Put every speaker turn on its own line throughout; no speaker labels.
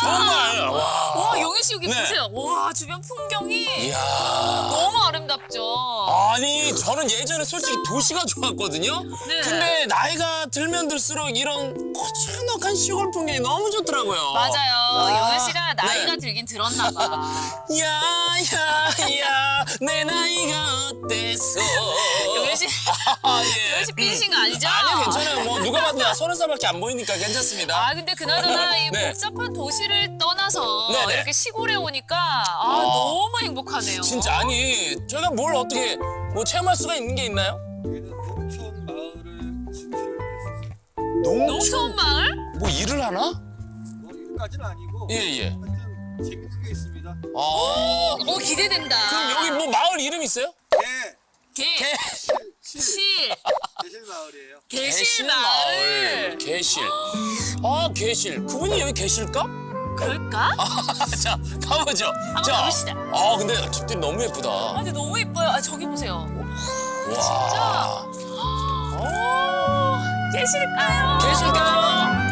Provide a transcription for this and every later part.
정말.
와, 용희 씨 여기
네.
보세요. 와, 주변 풍경이
이야.
너무 아름답죠.
아니 저는 예전에 솔직히 도시가 좋았거든요.
네.
근데 나이가 들면 들수록 이런 고즈넉한 시골 풍경이 너무 좋더라고요.
맞아요. 용희 씨가 나이가
네.
들긴 들었나 봐.
야야야 내 나이가 어때서?
용희 씨,
아, 예.
용희 씨 삐지신 거 아니죠?
아니요 괜찮아요. 뭐 누가 봐도 나 30살밖에 안 보이니까 괜찮습니다.
아, 근데 그나저나 이
네.
복잡한 도시를 떠나서
네네.
이렇게 시골에 오니까 너무 행복하네요.
진짜 아니 저희가 뭘 어떻게 뭐 체험할 수가 있는 게 있나요?
여기는 농촌 마을을 진출을 했었어요.
농촌 마을?
뭐 일을 하나?
뭐 이것까지는 아니고
예예.
하여튼 재밌는 게 있습니다.
아
기대된다.
그럼 여기 뭐 마을 이름 있어요?
개,
개, 실,
개실 마을이에요.
개실 마을.
개실. 아 개실. 그분이 여기 계실까?
그럴까?
자 가보죠.
한번 가봅시다.
아 근데 집들이 너무 예쁘다.
아, 근데 너무 예뻐요. 아, 저기 보세요.
와.
계실까요?
계실까요?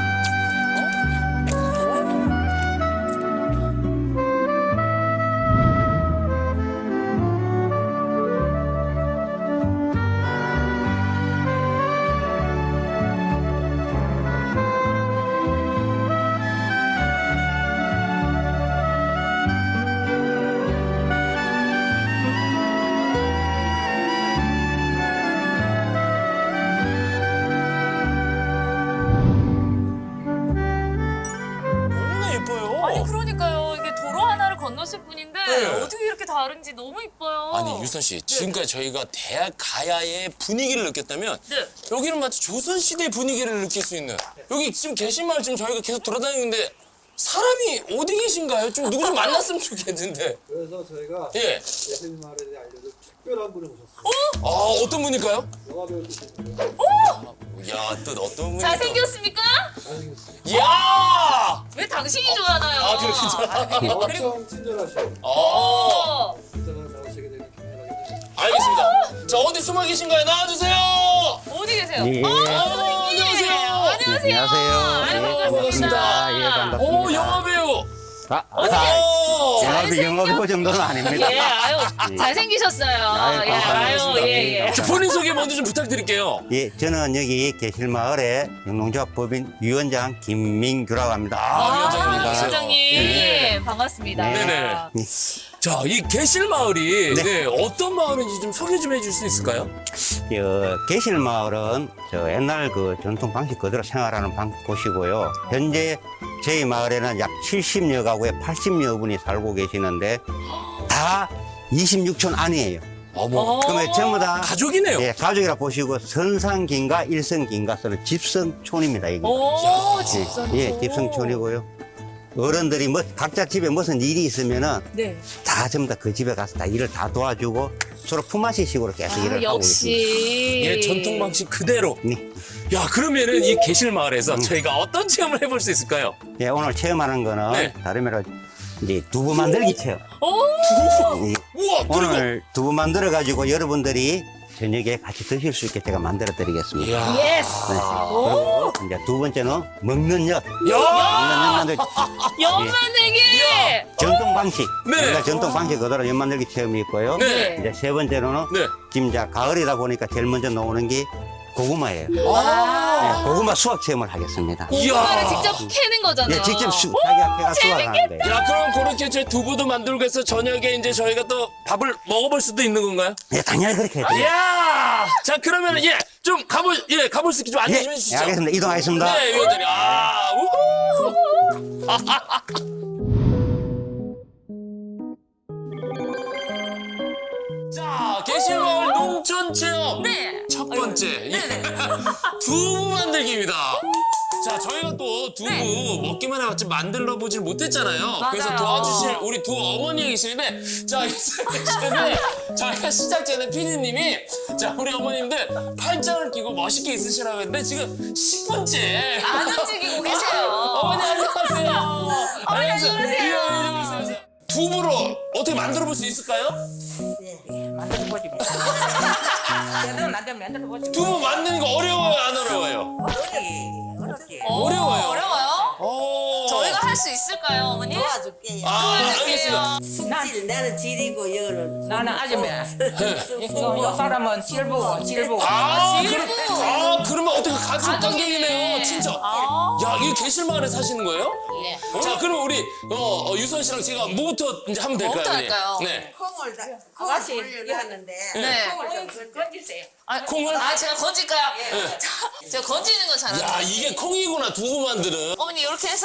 너무나 예뻐요.
아니, 그러니까요. 이게 도로 하나를 건넜을 뿐인데
네.
어떻게 이렇게 다른지 너무 예뻐요.
아니 유선 씨 지금까지 저희가 대학 가야의 분위기를 느꼈다면
네.
여기는 마치 조선 시대 분위기를 느낄 수 있는 여기 지금 계신 마을 지금 저희가 계속 돌아다니는데 사람이 어디 계신가요? 좀 누구 좀 만났으면 좋겠는데.
그래서 저희가
예.
개실 마을에 대해 알려줄 특별한 분을 모셨어요.
아 어떤 분일까요?
영화 배우 출신이에요.
야 또 어떤 분이
잘생겼습니까?
잘생겼어요.
야!
왜 당신이 좋아하나요?
아, 그렇군요.
엄청 친절하시고
어
인터넷 나오시게 되면 기분하게 됩니다.
알겠습니다. 자 어디 숨어 계신가요? 나와주세요.
어디 계세요?
예.
안녕하세요.
안녕하세요.
안녕하세요.
아유,
예,
반갑습니다.
예, 반갑습니다.
오 영화 배우.
영업이 정도는 아닙니다.
예, 아유, 잘생기셨어요.
아유,
예,
감사합니다.
예, 예.
자, 본인 소개 먼저 좀 부탁드릴게요.
예, 저는 여기 계실마을의 영농조합 법인 위원장 김민규라고 합니다.
위원장님, 안녕하세요.
위원장님.
예.
반갑습니다.
네네. 자, 이 계실 마을이 네, 어떤 마을인지 좀 소개 좀 해줄 수 있을까요?
계실마을은 저 옛날 그 전통 방식 그대로 생활하는 곳이고요. 현재 저희 마을에는 약 70여 가구에 80여 분이 살고 계시는데 다 26촌 안이에요.
어머,
그러면 전부 다
가족이네요.
예, 가족이라 보시고 선상긴가 일성긴가 쓰는 집성촌입니다. 이게.
오, 집사님.
예, 집성촌이고요. 어른들이 뭐 각자 집에 무슨 일이 있으면은
네.
다 전부 다 그 집에 가서 다 일을 다 도와주고 서로 품앗이식으로 계속 일을 하고 있습니다.
역시.
예, 전통 방식 그대로.
네.
야, 그러면은 이 계실 마을에서 저희가 어떤 체험을 해볼 수 있을까요?
예, 오늘 체험하는 거는
네.
다름 아니라 이제 두부 만들기 체험.
오,
예,
우와, 그리고.
오늘 두부 만들어 가지고 여러분들이 저녁에 같이 드실 수 있게 제가 만들어 드리겠습니다.
이야.
예스.
네. 그리고 이제 두 번째는 먹는 엿.
야!
먹는 엿 만들
연 만들기.
전통 방식.
네.
우리가 전통 방식 그대로 엿 만들기 체험이 있고요.
네.
이제 세 번째로는
네.
지금 이제 가을이다 보니까 제일 먼저 나오는 게 고구마예요.
아.
네, 고구마 수확 체험을 하겠습니다.
고구마를
이야.
직접 캐는 거잖아요.
예, 직접 자기가 캐가 수확하는 거예요.
야, 그럼 그렇게 저 두부도 만들고 해서 저녁에 이제 저희가 또 밥을 먹어볼 수도 있는 건가요?
예, 당연히 그렇게 해야 돼요.
이야! 자, 그러면은, 예, 좀 가볼 수 있게 좀 안내
예,
좀
예,
해주시죠.
알겠습니다. 이동하겠습니다.
네, 위원장님. 아, 우후! 자, 계실마을 농촌 체험.
네.
첫 번째.
네네.
두부 만들기입니다. 자, 저희가 또 두부 먹기만 해봤지 만들어 보질 못했잖아요. 그래서
맞아요.
도와주실 우리 두 어머니가 계시는데, 자, 계시는데, 저희가 시작 전에 피디님이, 자, 우리 어머님들 팔짱을 끼고 멋있게 있으시라고 했는데, 지금 10분째.
안 움직이고 계세요.
어머니, 안녕하세요.
어머니, 안녕하세요.
두부로 어떻게 만들어 볼 수 있을까요?
만들어 보지. 제대로 만들어 보지.
두부 만드는 거 어려워요, 안 어려워요?
어렵지. 어렵지.
어려워요.
어려워요?
오.
저희가 할 수 있을까요, 어머니?
도와줄게요.
알겠습니다.
숙질 나는 지리고 여는
나는 아줌마. 요 사람은 질부고.
그러면 어떻게 가족 관계이네요, 진짜. 야, 이거 계실마을에 사시는 거예요?
예.
자, 그럼 우리 유선 씨랑 제가 뭐부터 이제 하면 될까요?
뭐부터
어머니?
할까요?
네.
콩을 다
아가씨
올려놨는데
네.
콩을 좀 건지세요.
콩을?
제가 건질까요? 자, 제가 건지는 거 잘하는
야, 이게 콩이구나, 두부만들은.
어머니 이렇게 해서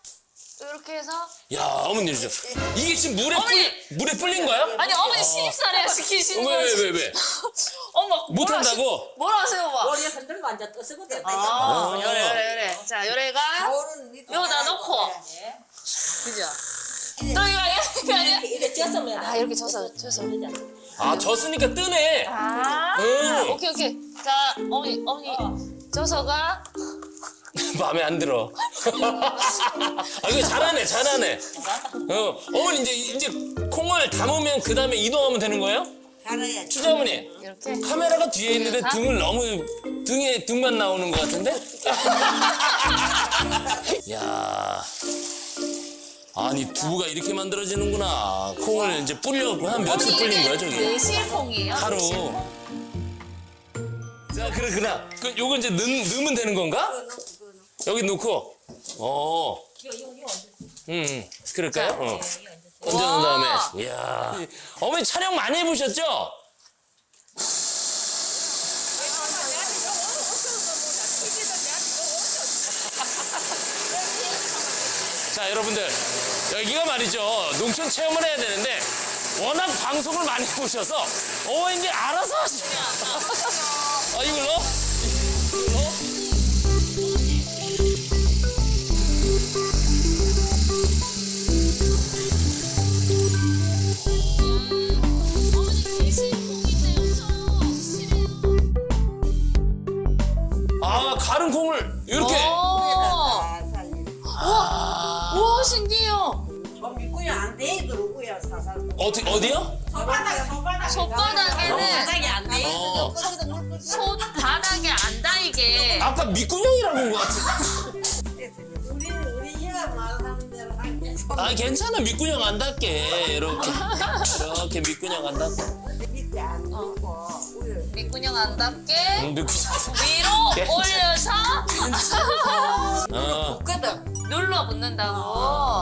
야, 어머니 이게 지금
어머니!
물에 불린 거야?
아니 어머니 신입사례 시키시는 거지.
왜?
어머
못한다고?
뭐라 하세요, 오빠?
머리 흔들고 앉아 떠쓰거든.
요래. 자, 요래가 여기다 놓고. 그죠? 또 이거 아니야?
이렇게 쪘으면
이렇게 져서.
아, 졌으니까 뜨네.
오케이. 자, 어머니 져서가
마음에 안 들어. 이거 잘하네. 어머니 이제 콩을 담으면 그 다음에 이동하면 되는 거예요?
갈아야지.
추자 어머니.
이렇게.
카메라가 뒤에 있는데 등만 나오는 것 같은데? 야, 아니 두부가 이렇게 만들어지는구나. 콩을 이제 뿌리려고 한 며칠 불린 거야 저기?
매실콩이에요.
하루. 자, 그렇구나. 요거 이제 넣으면 되는 건가? 여기 넣고. 그럴까요? 얹어놓은 다음에. 이야. 어머니 촬영 많이 해보셨죠? 자, 여러분들. 여기가 말이죠. 농촌 체험을 해야 되는데 워낙 방송을 많이 보셔서 이제 알아서 하시면. 이걸로? 가른 콩을 이렇게.
우와, 신기해요.
믿고요 안돼 그러고요 사살.
어디요?
손바닥에는
안 돼.
손바닥에 안 닿이게.
아까 밑구녕이라고 한 것 같은데.
우리 얘가 말하는 대로 할게.
괜찮아. 밑구녕 안 닿게. 이렇게 밑구녕 안 닿게.
밑에 안 놓고
밑구녕 안 닿게
밑구녕.
위로 올려서
거든.
눌러 붙는다고.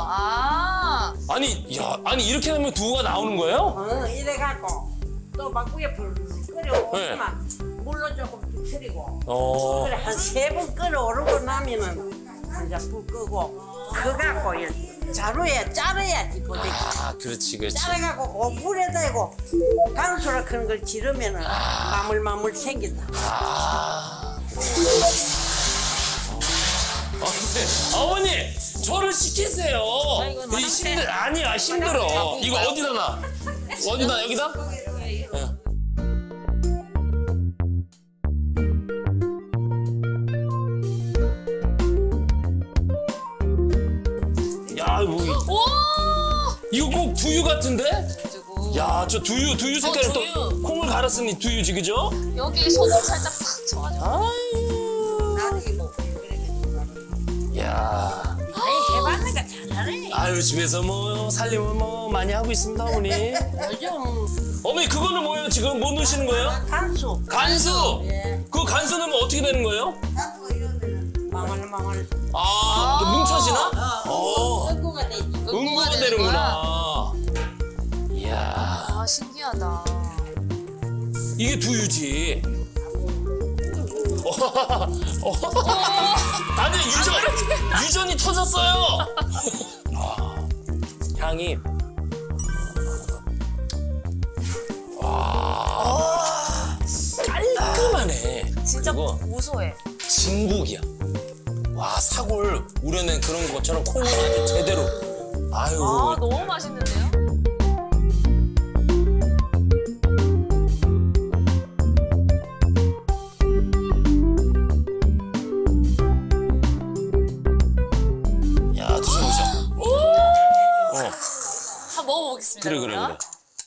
아니 이렇게 하면 두부가 나오는 거예요?
이래 갖고 또 막 위에 불 끓여오지만 물로 조금 터뜨리고 그래 한 3번 끓여오르고 나면은 이제 불 끄고 그 갖고 자루에 자르야지 보대기.
그렇지.
자르갖고 그 물에 대고 간수라 그런 걸 지르면은 마물마물 생긴다.
어머니 저를 시키세요. 힘들어. 이거 어디다 놔? 여기다? 야, 이거 꼭 두유 같은데? 야, 저 두유 색깔을 또
두유.
콩을 갈았으니 두유지, 그죠?
여기 소금 살짝 팍 쳐가지고.
나도 이거
야.
해봤으니까 잘하네.
집에서 살림을 많이 하고 있습니다, 어머니.
요즘
어머니, 그거는 뭐예요? 지금 뭐 넣으시는 거예요?
간수
간수! 그 간수 넣으면 어떻게 되는 거예요?
간수 이러면은 망얼망얼
이렇게 뭉쳐지나?
응고가 되지.
응고가 되는구나. 이야.
신기하다.
이게 두유지. 아니, 유전이 터졌어요. 향이. 깔끔하네.
진짜
그리고
고소해.
진국이야. 사골 우려낸 그런 것처럼 콩을 아주 제대로.
너무 맛있는데요?
야, 드셔보셔.
한번 먹어보겠습니다.
그래.
그러면.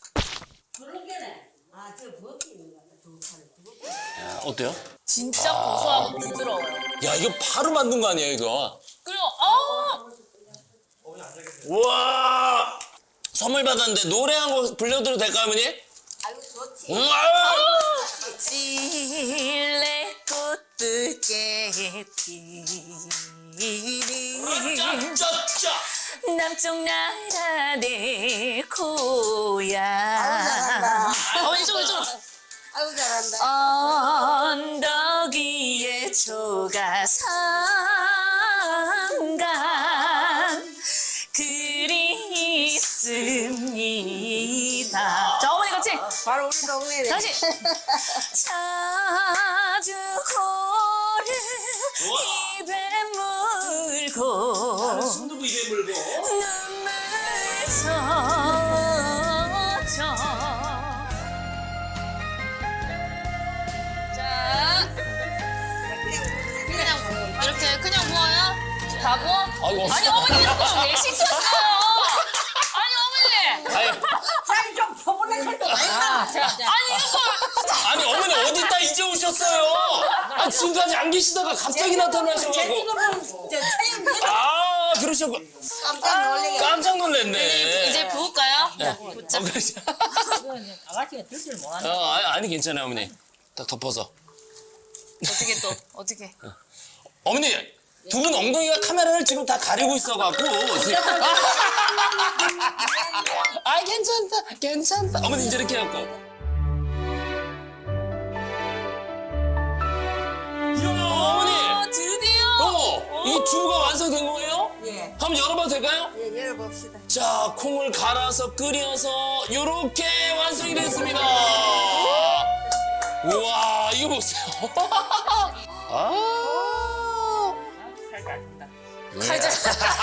아저 버기 있는 거
야, 어때요?
진짜 고소하고 부드러워요.
야, 이거 바로 만든 거 아니야, 이거?
그리고
우와! 선물 받았는데 노래 한 곡 불러드려도 될까요, 어머니?
아유 좋지.
아유!
찔레꽃 붉게 피는
짜짜짜!
남쪽 나라 내 고향. 어머니 이쪽으로.
아유 잘한다.
언덕 위에 조가삼간 그리 있습니다. 자, 어머니 같이
바로 우리 동네네.
다시. 자주 고를 입에 물고
손두부 입에 물고.
눈물 젖어. 자, 그냥 이렇게 그냥 부어요? 다 부어?
아이고.
아니 어머니 이런 거 왜 시켰어요? 아니 어머니.
아니,
자기 좀 포블레 살도 많이 나.
아니 이런 걸.
아니 어머니 어디다 이제 오셨어요? 아, 지금까지 안 계시다가 갑자기 나타나셔가지고.
제주도는 차이
아, 그러셨고.
깜짝 놀래게.
깜짝 놀랐네.
이제 부을까요?
네. 그러시.
아가씨가 드실 못하네.
아니 괜찮아요, 어머니. 딱 덮어서.
어떻게 또 어떻게?
어머니, 두 분 엉덩이가 카메라를 지금 다 가리고 있어갖고. 아, 괜찮다. 어머니 이제 이렇게 해갖고. 이야, 어머니.
드디어.
이 두부가 완성된 거예요?
예.
한번 열어봐도 될까요?
예, 열어봅시다.
자, 콩을 갈아서 끓여서 요렇게 완성이 됐습니다. 우와, 이거 보세요. 아.
칼자.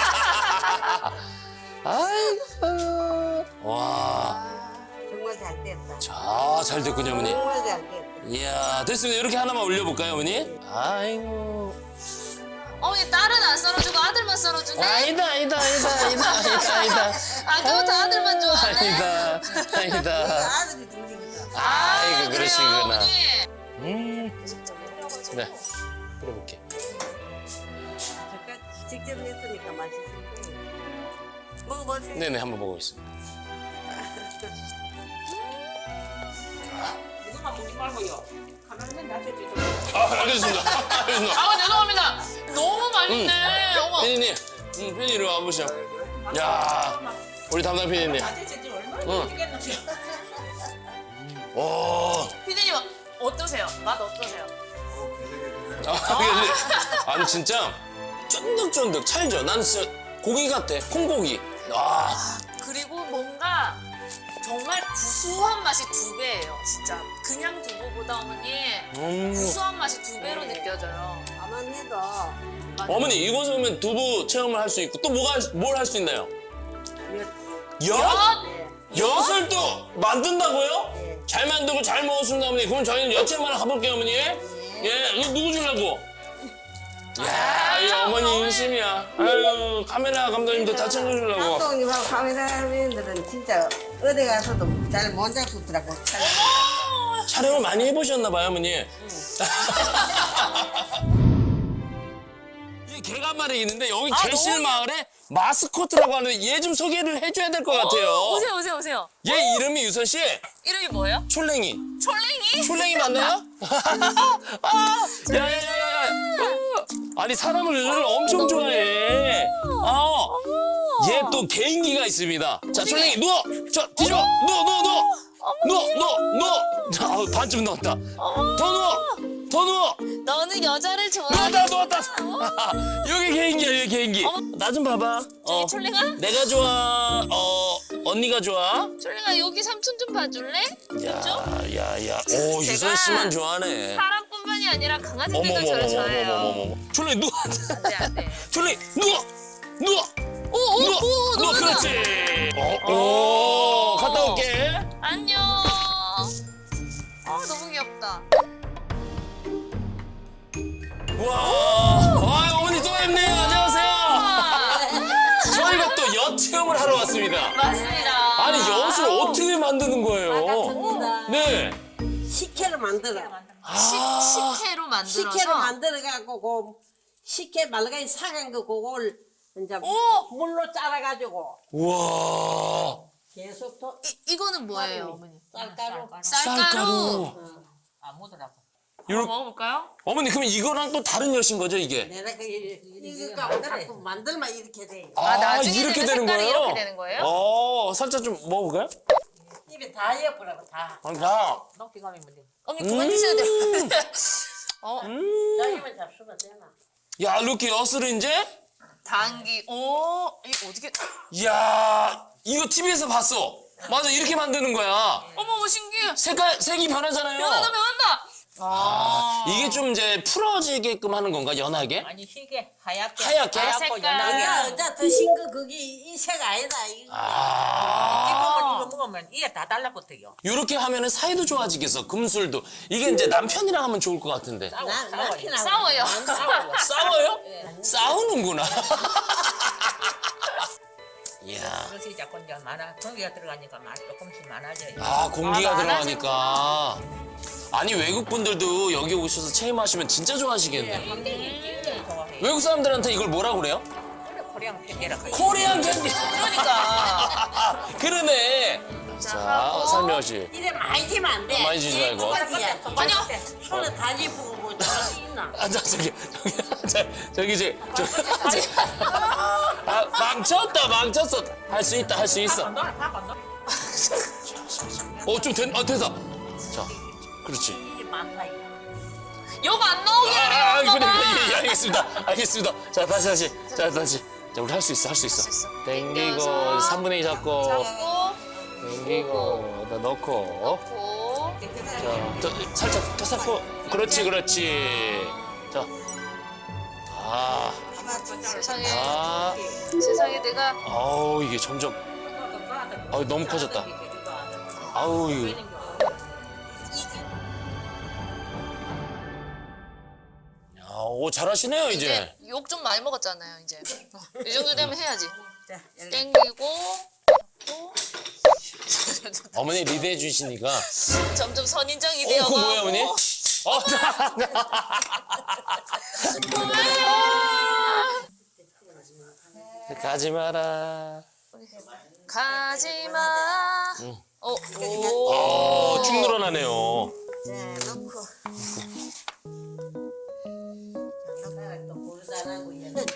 아이고. 와.
정말 잘 됐다.
자, 잘 됐군요, 어머니.
정말 잘 됐다.
이야, 됐습니다. 이렇게 하나만 올려볼까요, 어머니? 아이고.
어머니 딸은 안 썰어주고 아들만 썰어주네.
아니다.
아까부터 아들만 좋아하네.
아니다.
아들이 둘이니까.
아이고,
그래요,
그러시구나.
어머니.
네. 끓여볼게.
제가 직접 냈으니까 맛있을 거예요. 먹어보세요.
네네, 한번 먹어보겠습니다.
이거만 보지 말고요. 카메라맨 놔줘주세요.
알겠습니다.
아 죄송합니다. 너무 맛있네. 어머.
피디님, 피디님 이리 와보시죠. 야, 우리 담당 피디님.
아저씨 얼마나
응.
드시겠는데요?
오.
피디님 어떠세요? 맛 어떠세요?
아니 진짜 쫀득쫀득 찰져. 난 진짜 고기 같아. 콩고기. 아,
그리고 뭔가 정말 구수한 맛이 2배예요. 진짜 그냥 두부보다 어머니 구수한 맛이 2배로 느껴져요.
가만 해도
어머니 이거 보면 두부 체험을 할 수 있고 또 뭘 할 수 있나요? 엿?
예.
엿을 또 만든다고요?
예.
잘 만들고 잘 먹었습니다, 어머니. 그럼 저희는 엿 체험 하나 가볼게요, 어머니. 예, 이거 누구 주려고? 야, 이 어머니 인심이야. 아유, 카메라 감독님도 다 챙겨주려고.
감독님하고 카메라맨들은 진짜 어디 가서도 잘 못 잡수더라고.
촬영을 많이 해보셨나 봐요, 어머니. 이 개가 한 마리 있는데 여기 개실 마을에 마스코트라고 하는데 얘 좀 소개를 해줘야 될 것 같아요.
오세요.
얘 이름이 유선 씨
이름이 뭐예요?
촐랭이.
촐랭이?
촐랭이 맞나요? 아, 야야야야. 아니 사람을 엄청 좋아해. 얘 또 개인기가 있습니다. 자, 촐랭이 누워. 저 뒤집어. 누워. 자, 반쯤 넣었다. 더 누워.
너는 여자를 좋아해?
누웠다. 여기 개인기야, 여기 개인기. 나 좀 봐봐.
저기 촐랭아?
내가 좋아. 언니가 좋아.
촐랭아 여기 삼촌 좀 봐줄래?
야. 오, 유선 씨만 좋아하네.
사람뿐만이 아니라 강아지들도 저를 좋아해요.
어머머머머머머머머머. 촐랭이 누워.
안돼.
촐랭이 누워.
오,
그렇지. 오, 갔다 올게.
안녕. 너무 귀엽다.
와, 어머니 또 뵙네요. 안녕하세요. 저희가 또 엿 체험을 하러 왔습니다.
맞습니다.
아니, 엿을 어떻게 만드는 거예요?
반갑습니다.
네.
식혜를 만들어.
식혜로 만들어서.
식혜를 만들어갖고 식혜 말가이 사간 거 그걸 이제
오!
물로 짜라가지고
우와.
계속 더
이거는 뭐예요, 어머니?
쌀가루.
쌀가루.
아 못하라고.
한번 먹어볼까요?
어머니 그럼 이거랑 또 다른 엿인 거죠 이게?
내가 이거 자꾸 만들면 이렇게 돼.
나중에는
이렇게
그
되는
색깔이
거예요?
이렇게 되는 거예요?
살짝 좀 먹어볼까요?
입에 다 예쁘라고 다.
자,
녹지 가면 돼.
어머니 그만 드셔야 돼요.
여기만 잡수면 되나?
야 이렇게 엿을 이제,
당기. 오, 이거 어떻게?
야 이거 TV에서 봤어. 맞아 이렇게 만드는 거야.
어머, 신기해.
색이 변하잖아요.
변한다.
이게 좀 이제 풀어지게끔 하는 건가 연하게?
아니 희게 하얗게.
하얗게?
하얗고
색깔.
연하게.
야, 어제 드신 거 그게 이 색 아니다. 이거.
이거 먹으면 이게 다 달라붙어요.
이렇게 하면은 사이도 좋아지겠어. 금술도. 이게 이제 남편이랑 하면 좋을 것 같은데.
남편하고
싸워요.
싸워요? 싸우는구나. 이야.
그것이 자꾸 이제 많아. 공기가 들어가니까 맛 조금씩 많아져요.
공기가
많아지는
들어가니까. 아니 외국 분들도 여기 오셔서 체험하시면 진짜 좋아하시겠네.
굉장히 좋아해요.
외국 사람들한테 이걸 뭐라고 그래요?
원래 코리안 캔디라 그래요.
코리안 캔디.
그러니까.
그러네. 자, 설명하시.
이래 많이 지면 안 돼.
많이 지지 말고.
아니요.
손에 다 짚고 뭐 저기 있나?
저기 망쳤어. 할 수 있다, 할 수 있어. 좀 됐다. 자, 그렇지.
이게 많다 이거.
욕 안 나오게 하래요,
그래,
엄마가.
예, 알겠습니다. 자, 다시. 자, 우리 할 수 있어. 땡기고,
당겨서.
3분의 2 잡고,
잡고,
땡기고, 다 넣고.
넣고.
자, 살짝 더 쌓고. 그렇지. 자.
세상에 내가
아우, 이게 점점. 너무 커졌다. 아우, 이거. 잘하시네요, 이제.
욕 좀 많이 먹었잖아요, 이제. 이 정도 되면 해야지.
자, 여기.
땡기고
어머니 리드해 주시니까.
점점 선인장이 되어가고.
그거 뭐예요, 어머니? 가지 마라.
가지마. 오.
쭉 늘어나네요.
자, 넣고. 또 버릇 안 하고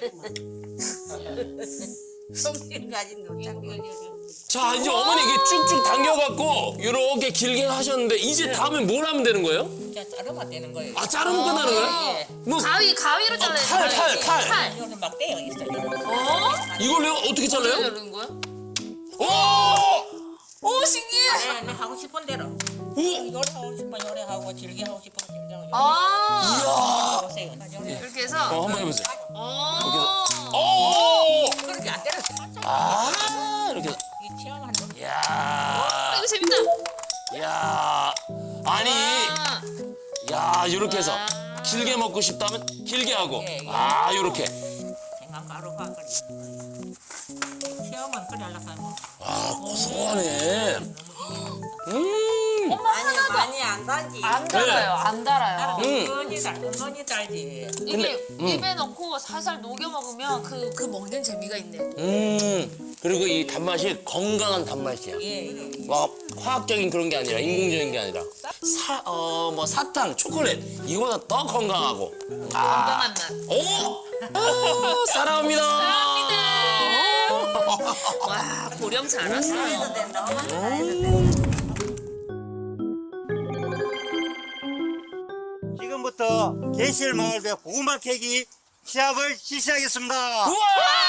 성질 가진 놓자고.
자, 이제 어머니 이게 쭉쭉 당겨갖고 이렇게 길게 하셨는데 이제 다음에 뭘 하면 되는 거예요?
진짜 자르면 되는 거예요.
자르면 끝나는 거예요?
예.
뭐
가위로 잘라야 돼.
칼.
이거는 막 떼어 있어요.
이걸요? 어떻게 잘라요?
자르는 거야?
오!
오, 신기해.
네, 하고 싶은 대로.
오!
요래 하고 싶으면 요래 하고 질게 하고 싶으면 질게 하고.
아,
보세요. 요래.
이렇게 해서.
한번 해보세요.
오.
오!
그렇게 안 때려.
이렇게.
이 체험하는 거.
이야.
이거 재밌다.
이야. 아니.
아.
야, 이렇게 해서 길게 먹고 싶다면 길게 하고.
예, 예.
이렇게.
생강가루가 그래. 체험은 그래 하려고 하면.
고소하네.
많이 안 단지.
안 달아요, 안 달아요.
은근히 달지.
이게 입에 넣고 살살 녹여 먹으면 그 먹는 재미가 있네.
그리고 이 단맛이 건강한 단맛이야.
예.
막 화학적인 그런 게 아니라 인공적인 게 아니라 사탕, 초콜릿 이거보다 더 건강하고.
건강한 맛.
오! 사랑합니다.
와, 고령 잘했어요.
지금부터 계실마을배 고구마 캐기 시합을 실시하겠습니다.
우와!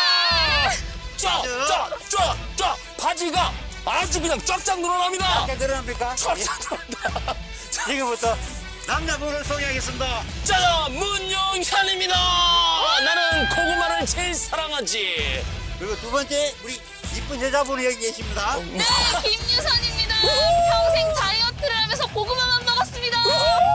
쫙! 바지가 아주 그냥 쫙쫙 늘어납니다.
어떻게 들어갑니까?
쫙쫙 늘어납니다.
지금부터 남자분을 소개하겠습니다.
짜잔! 문용현입니다. 나는 고구마를 제일 사랑하지.
그리고 두 번째 우리 이쁜 여자분이 여기 계십니다.
네, 김유선입니다. 평생 다이어트를 하면서 고구마만 먹었습니다.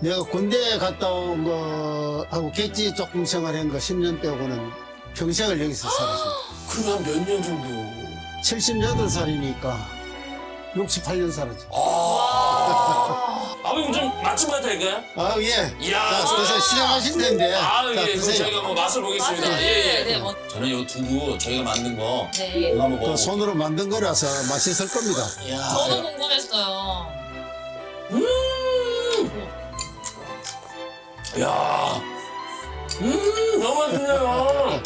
내가 군대 갔다 온 거하고 객지 조금 생활한 거 10년 빼고는 평생을 여기서 살았습니다.
그럼 몇 년 정도?
78살이니까 68년 살았죠.
아버님 좀 맛 좀 봐도 될까요?
아, 예.
이야.
자, 그래서 시작하실 텐데.
아,
자,
예. 그럼
드세요.
저희가 뭐 맛을 보겠습니다.
맛을,
예, 예.
네, 뭐.
저는 이 두부 저희가 만든 거
네.
이거 한번
그
먹어.
손으로 만든 거라서 맛있을 겁니다.
이야.
저도 궁금했어요.
야. 너무 맛있네요.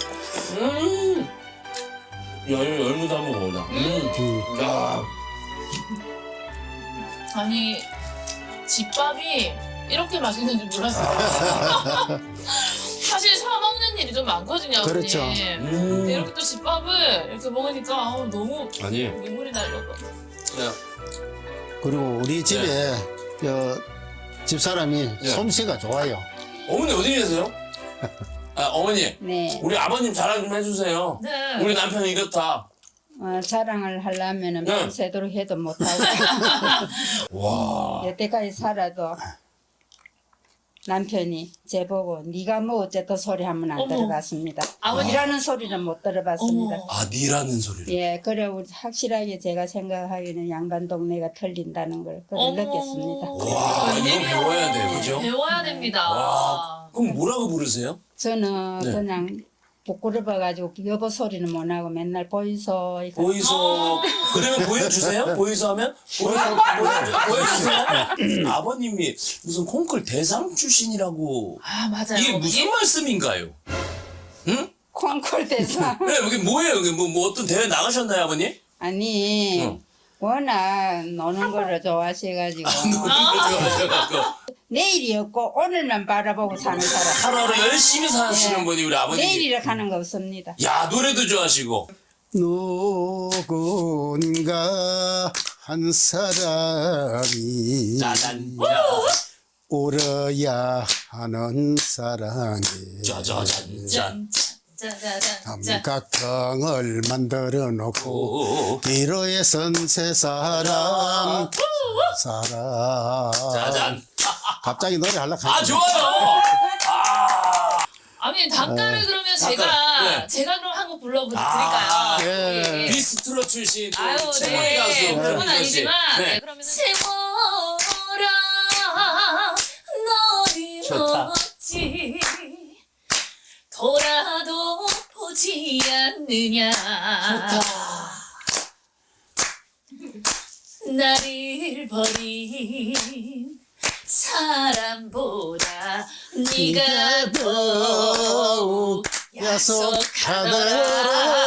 야, 이거 열무도 한번 먹어보자. 야.
아니 집밥이 이렇게 맛있는 줄 몰랐어요. 사실 사 먹는 일이 좀 많거든요. 아버님.
그렇죠.
근데 이렇게 또 집밥을 이렇게 먹으니까 너무
아니.
눈물이 나려고.
야.
그리고 우리 집에 집사람이
네.
솜씨가 좋아요.
어머니 어디 계세요? 아, 어머니.
네,
우리 아버님 자랑 좀 해주세요.
네.
우리 남편이 이렇다.
자랑을 하려면은
네.
밤새도록 해도 못하고
와.
여태까지 살아도 남편이 제보고 네가 뭐 어쨌든 소리 하면 안
어머.
들어봤습니다.
아버님.
이라는 소리는 못 들어봤습니다.
어머.
아, 니라는 소리를.
예, 그래 확실하게 제가 생각하기에는 양반 동네가 틀린다는 걸 그걸
어머.
느꼈습니다.
와, 이거 배워야 돼, 그죠?
배워야 됩니다.
와. 그럼 뭐라고 부르세요?
저는
네.
그냥 부끄러워가지고 여보 소리는 못 하고 맨날 보이소 이거
보이소. 그러면 보여주세요? 보이소 하면? 보여주세요? 아버님이 무슨 콩쿨 대상 출신이라고.
아 맞아요.
이게 무슨 말씀인가요? 응?
콩쿨 대상
네, 여기 뭐예요? 여기 뭐 어떤 대회 나가셨나요, 아버님?
아니
어.
워낙 노는 거를 좋아하셔가지고 내일이 없고 오늘만 바라보고 사는 사람.
하루하루 열심히 사시는
네.
분이 우리 아버님.
내일이라 하는 거 없습니다.
야, 노래도 좋아하시고.
누군가 한 사람이
짜잔.
울어야 하는 사랑에
짜자잔. 짠.
짜자잔.
삼각형을 만들어 놓고
오.
기로에 선 세 사람
짜잔.
갑자기 노래 하려고
아,
하죠.
좋아요. 아.
아버님 닭가를 그러면 제가
네.
제가 그럼 한 곡 불러드릴까요?
아,
예.
비스트로 출신 또
아유,
최고의
네.
가수
그건
김민호 씨.
아니지만
네.
네, 그러면 세월아 너를
좋다.
어찌 돌아도 보지 않느냐. 나를 버린 사람보다 네가 더욱 약속하더라.